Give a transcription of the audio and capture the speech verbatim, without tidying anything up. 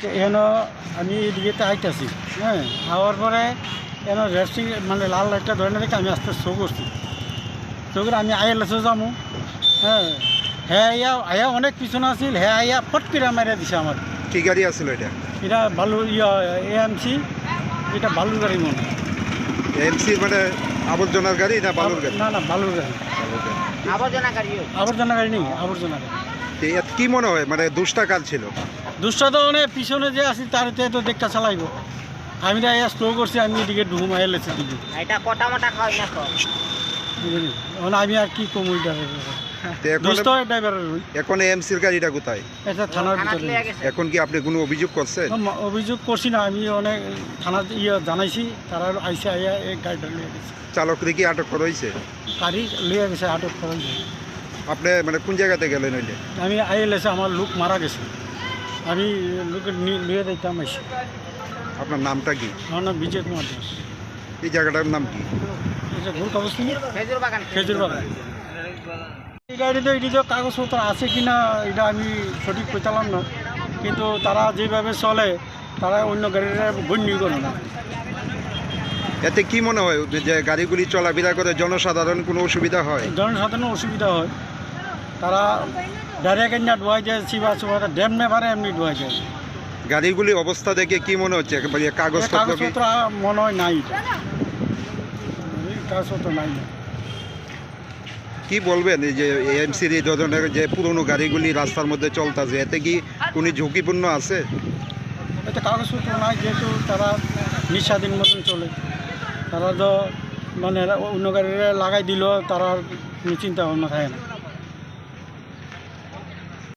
N আমি এদিকে আইতেছি, হ্যাঁ আওয়ার পরে এন রেস্টিং মানে লাল লাইটটা ধরে না দেখে আমি আস্তে শো করছি। শো করে আমি আইএলএসও যাবো, হ্যাঁ হ্যাঁ আইয়া আইয়া অনেক পিছনে আছিল, হ্যাঁ আইয়া ফট করে মারিয়া দিছে আমার। কি গাড়ি আসছিল এটা? এটা বালু ইয়া এএমসি, এটা বালুর গাড়ি মনে হয়। এমসি মানে আবর্জনার গাড়ি না বালুর গাড়ি? না না বালুর গাড়ি, আবর্জনা গাড়ি আবর্জনা গাড়ি নেই, আবর্জনা গাড়ি। তো এত কি মনে হয় মানে দুষ্টা কাল ছিল? দুষ্টা তো অনেক পিছনে যে আছি তার তো দেখা চালাইব। আমি তো আইয়া স্লো করছি, আমি এদিকে ঢুকুম আইএলএসের দিকে। এটা কটা মোটা খাওয়াই না তো বুঝলি? এখন আমি আর কি কম ওই তো এখন দুষ্ট ড্রাইভারের ওই এখন এমসির গাড়িটা কোথায়? এটা থানার থানাত ভিতরে। লিয়ে গেছে। এখন কি আপনি কোনো অভিযোগ করছেন? ম- অভিযোগ করছি না, আমি অনেক থানার ইয়ে জানাইছি, তারা আইসে আইয়া এই গাড়িটা লিয়ে গেছে। চালকরে কি আটক করা হয়েছে? গাড়ি লিয়ে গেছে, আটক করা হয়েছে। আপনি মানে কোন জায়গাতে গেলেন ওইটা? আমি আইএলএসে আমার লোক মারা গেছে, আমি লোকের লিয়ে দিতাম আইসি। আপনার নামটা কি? আমার নাম বিজয় কুমার দাস। এই জায়গাটার নাম কি? এটা ভুল কাগজ নিয়ে খেজুর বাগান খেজুর বাগান। এই গাড়িতে এটি যে কাগজপত্র আছে কি না এটা আমি সঠিক পেতালাম না, কিন্তু তারা যেভাবে চলে তারা অন্য গাড়িটা গণ্য করে না। এতে কি মনে হয় যে গাড়িগুলি চলাফেরা করে জনসাধারণ কোনো অসুবিধা হয়? জনসাধারণের অসুবিধা হয়, তারা ডাইরেক্ট না ডোয়াই যায়, চিবা চুবা ড্যাম নেভারে এমনি ডোয়াই যায়। গাড়িগুলি অবস্থা দেখে কি মনে হচ্ছে? একেবারে এ কাগজপত্র কি? কাগজপত্র মনে হয় নাই, এই কাগজপত্র নাই। কি বলবেন এই যে এমসির এই ধরনের যে পুরনো গাড়িগুলি রাস্তার মধ্যে চলতেছে, এতে কি কোনো ঝুঁকিপূর্ণ আছে? এতে কাগজপত্র নাই, যেহেতু তারা নিঃস্বাধীন মতন চলে, তারা তো মানে অন্য গাড়িরা লাগাই দিল, তারা কোনো চিন্তা ভাবনা থাকে না।